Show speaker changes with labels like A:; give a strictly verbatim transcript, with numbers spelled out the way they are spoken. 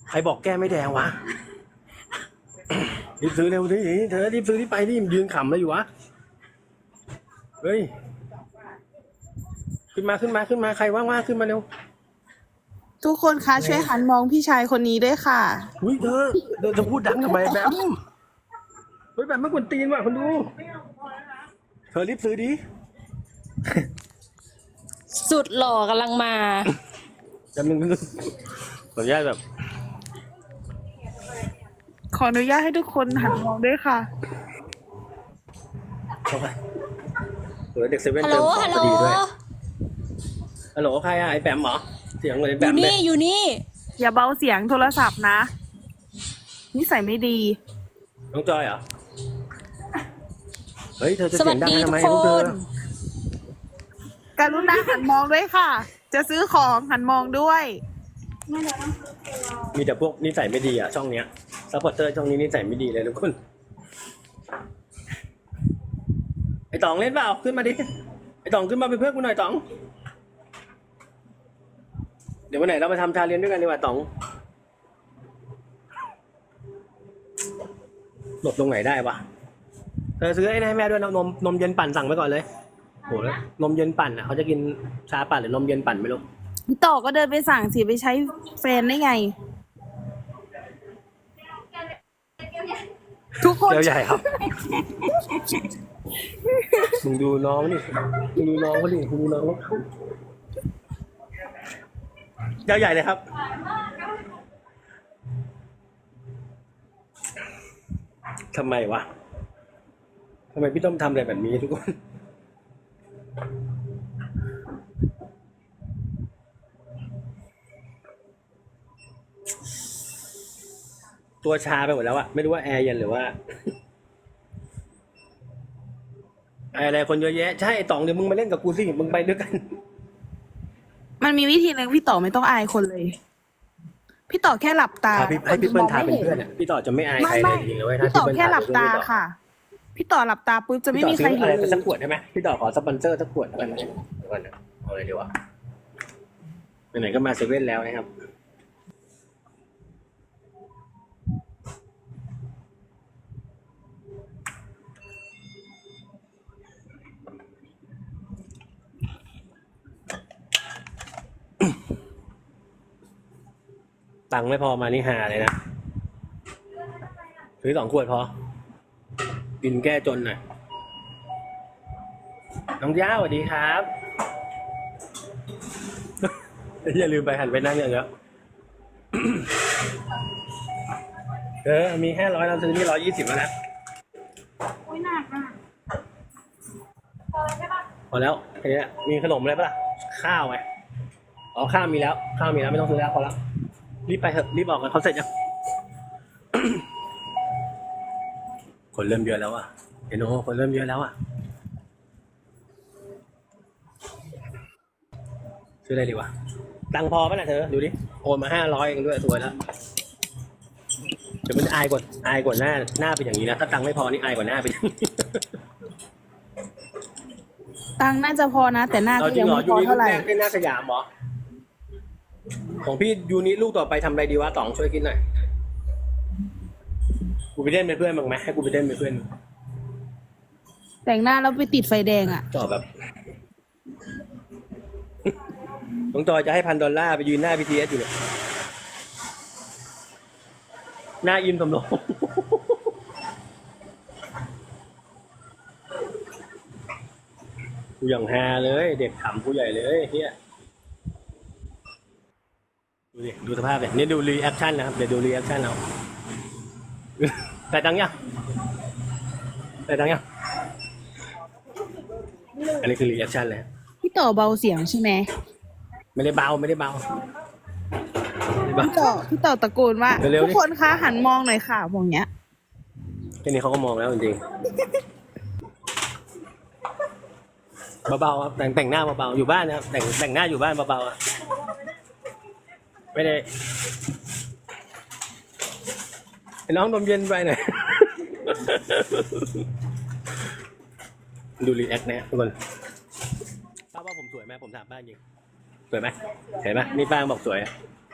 A: ใครบอกแก้ไม่แดงวะ รีบซื้อเร็วดิเธอรีบซื้อที่ไปที่ยืนขำเลยอยู่วะ เฮ้ย ขึ้นมาขึ้นมาขึ้นมาใครว่างๆขึ้นมาเร็ว
B: ทุกคนคะช่วยหันมองพี่ชายคนนี้ด้วยค่ะ
A: อุ้ยเธอเธอจะพูดดังทำไมแบมเฮ้ยแบมไม่ควรตีนว่ะคนดู เธอรีบซื้อดิ
C: สุดหล่อกำลังมา
A: จำหนึ่งขออนุญาตแบบ
B: ขออนุญาตให้ทุกคนหันมองด้วยค่ะ
A: เข้าไปเดี๋ยวเด็กเซเว่น
C: ฮัลโหล
A: เติมของ
C: ฮัลโหล
A: พอดีด้วยฮัลโหลใครอะไอ้แบมเหรอเสียงเหมือนไอ้
C: อ
A: แบ
C: ยู่
A: มเล
C: นี่
A: ย
C: อยู่นี่
B: อย่าเบาเสียงโทรศัพท์นะนิสัยไม่ดี
A: น้องจอยเหรอเฮ้ยเธอจะ
C: ส
A: เสี
C: วั
A: ย
C: ส
A: งดัง
C: ดี
A: ทำ
C: ทุ
A: ไม
C: กค
A: ลูกเธอน
B: กรุณาหันมองด้วยค่ะ จะซื้อของหันมองด้วย
A: มีแต่พวกนิสัยไม่ดีอะช่องเนี้ยซัพพอร์เตอร์ช่องนี้นิสัยไม่ดีเลยทุกคนไอ้ต๋องเล่นเปล่าขึ้นมาดิไอ้ต๋องขึ้นมาเป็นเพื่อนกูหน่อยต๋อง เดี๋ยววันไหนเรามาทำชาเลนจ์ด้วยกันดีกว่าต๋องหลบตรงไหนได้วะเธอซื้อไอ้นี่ให้แม่ด้วยนะนมนมเย็นปั่นสั่งไปก่อนเลยโหแล้วนมเย็นปั่นอ่ะเขาจะกินชาปั่นหรือนมเย็นปั่นไม่รู้
B: พี่ต่อก็เดินไปสั่งสิไปใช้แฟนได้ไง ทุกคน
A: เดี๋ยวใหญ่ครับมึงดูน้องนี่มึงดูน้องเขาดิมึงดูน้องเขาเดี๋ยวใหญ่เลยครับทำไมวะทำไมพี่ต้อมทำอะไรแบบนี้ทุกคนตัวชาไปหมดแล้วอะไม่รู้ว่าแอร์เย็นหรือว่าอะไรคนเยอะแยะใช่ไอ้ต๋องเดี๋ยวมึงมาเล่นกับกูสิมึงไปด้วยกัน
B: มันมีวิธีหนึ่งพี่ต่อไม่ต้องอายคนเลย พี่ต่อแค่หลับตา
A: พาพี่ให้พี่เปิ้ลทาเป็น
B: ค
A: เพื่อนอ่ะพี่ต่อจะไม่อาย
B: ไม่
A: ใครเล
B: ไม่
A: ยจริงๆเลยเว้ย
B: พี่ต่อ
A: ถ้า
B: แค่หลับตา
A: พี่เปิ้ล
B: ค่ะ พี่ต่อหลับตาปุ๊บจะไม่
A: พี่ต่อ
B: มีใคร
A: ซื้อ
B: เห็
A: อะไร
B: นเล
A: สัก
B: ย
A: ขวดได้ไหมพี่ต่อขอสปอนเซอร์สักขวดแล้วกันนะเดี๋ยวก่อนนะเอาเลยดีกว่าไหนๆก็มาเซเว่นแล้วนะครับ ตังค์ไม่พอมานี่หาเลยนะซื้อสองขวดพอกินแก้จนหน่อยน้องย่าสวัสดีครับ อย่าลืมไปหันไปนั่งอย่างเงี้ย เออมีแค่ร้อยเราซื้อนี่ร้อยยี่สิบแล้วนะ
B: โอ้ยหนักอ่ะ
A: พอแล้วแค่นี้มีขนมอะไรปะล่ะข้าวไหมอ๋อข้าวมีแล้วข้าวมีแล้วไม่ต้องซื้อแล้วพอแล้วรีบไปเถอะรีบออกกันเขาเสร็จยัง คนเริ่มเยอะแล้วอ่ะเห็นโอ้คนเริ่มเยอะแล้วอ่ะซื้ออะไรดีวะตังค์พอป่ะนะเธอดูดิโอนมาห้าร้อยเองด้วยสวยแล้วเดี๋ยวมันอายกว่าอายกว่าหน้าหน้าเป็นอย่างนี้นะถ้าตังค์ไม่พอนี่อายกว่าหน้าเป็น
B: ตังค์น่าจะพอนะ แต่หน้า
A: เอา
B: ก็
A: จริ
B: ยัง ง
A: เหรอ
B: ไม่
A: ยู
B: พอ
A: นิลู
B: เท่าก ไหร่
A: แรกได้หน้าสยามเหรอของพี่ยูนิลูกต่อไปทำอะไรดีวะต๋องช่วยคิดหน่อยกูไปเล่นเป็นเพื่อนมึงไหมให้กูไปเล่นเป็นเพื่อน
B: แต่งหน้าแล้วไปติดไฟแดงอ่ะ
A: จอแบบ น้องจอยจะให้พันดอลลาร์ไปยืนหน้า บี ที เอส อยู่เนี่ยหน้าอิมสำโรงกูอย่างฮาเลย เด็กขำกูใหญ่เลยเฮียดูดิดูสภาพเลยนี่ดูรีแอคชั่นนะครับเดี๋ยวดูรีแอคชั่นเอา แต่ตังค์ยังแต่ตังค์ยังอันนี้คือรีแอคชั่นเลย
B: พี่ต่อเบาเสียงใช่ไหม
A: ไม่ได้เบาไม่ได้เบาไม่ได้เบา
B: พี่ต่อพี่ต่อตะโกนว่า
A: เร็วๆดิ
B: ทุกคนคะหันมองหน่อยค่ะมองเนี้ย
A: แค่นี้เขาก็มองแล้วจริงๆเบาๆครับแต่งแต่งหน้าเบาๆอยู่บ้านนะครับแต่งแต่งหน้าอยู่บ้านเบาๆอะไม่ได้ไอ้น้องนมเย็นไปหน่อย ดูรีแอคนะทุกคนป้าว่าผมสวยไหมผมถามป้าจริงสวยไหมเห็นไหมนี่ป้าบอกสวยอะ